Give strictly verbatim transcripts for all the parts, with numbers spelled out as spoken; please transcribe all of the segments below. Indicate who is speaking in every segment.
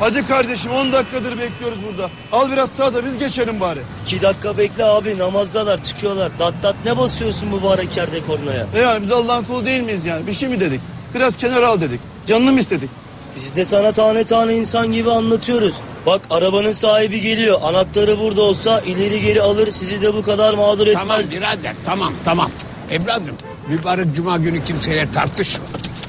Speaker 1: Hadi kardeşim, on dakikadır bekliyoruz burada. Al biraz sağda, biz geçelim bari.
Speaker 2: İki dakika bekle abi, namazdalar, çıkıyorlar. Dat dat ne basıyorsun mübarek yerde kornaya?
Speaker 1: E yani biz Allah'ın kulu değil miyiz yani? Bir şey mi dedik? Biraz kenara al dedik. Canını mı istedik?
Speaker 2: Biz de sana tane tane insan gibi anlatıyoruz. Bak arabanın sahibi geliyor. Anahtarı burada olsa ileri geri alır, sizi de bu kadar mağdur etmez.
Speaker 3: Tamam birader, tamam tamam. Evladım, mübarek cuma günü kimseyle tartışma.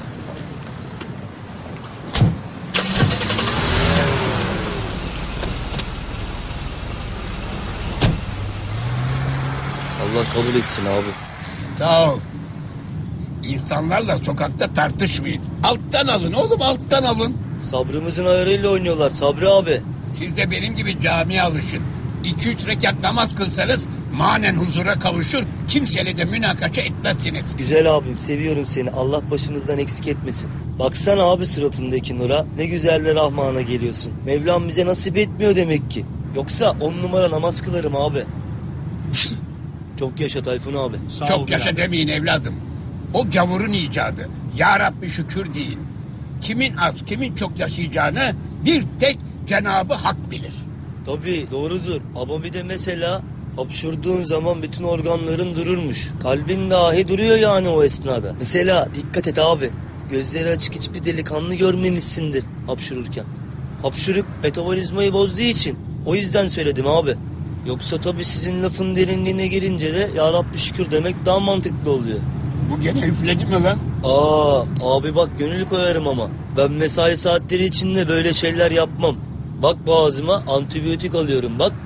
Speaker 2: Allah kabul etsin abi.
Speaker 3: Sağ ol. İnsanlarla sokakta tartışmayın. Alttan alın oğlum, alttan alın.
Speaker 2: Sabrımızın ayarıyla oynuyorlar Sabri abi.
Speaker 3: Siz de benim gibi camiye alışın. İki üç rekat namaz kılsanız manen huzura kavuşur, kimseyle de münakaşa etmezsiniz.
Speaker 2: Güzel abim, seviyorum seni. Allah başımızdan eksik etmesin. Baksana abi suratındaki nura. Ne güzel de Rahman'a geliyorsun. Mevlam bize nasip etmiyor demek ki. Yoksa on numara namaz kılarım abi. Çok yaşa Tayfun abi.
Speaker 1: Sağ
Speaker 3: Çok
Speaker 1: ol
Speaker 3: yaşa
Speaker 1: birader.
Speaker 3: demeyin evladım. O gavurun icadı. Ya Rabbi şükür deyin. Kimin az kimin çok yaşayacağını bir tek Cenab-ı Hak bilir.
Speaker 2: Tabii doğrudur. Ama bir de mesela hapşurduğun zaman bütün organların dururmuş. Kalbin dahi duruyor yani o esnada. Mesela dikkat et abi. Gözleri açık hiçbir delikanlı görmemişsindir hapşururken. Hapşuruk metabolizmayı bozduğu için. O yüzden söyledim abi. Yoksa tabii sizin lafın derinliğine gelince de ya Rabbi şükür demek daha mantıklı oluyor.
Speaker 3: Bu gene üfledi mi lan?
Speaker 2: Aa abi bak gönül koyarım ama. Ben mesai saatleri içinde böyle şeyler yapmam. Bak boğazıma antibiyotik alıyorum bak.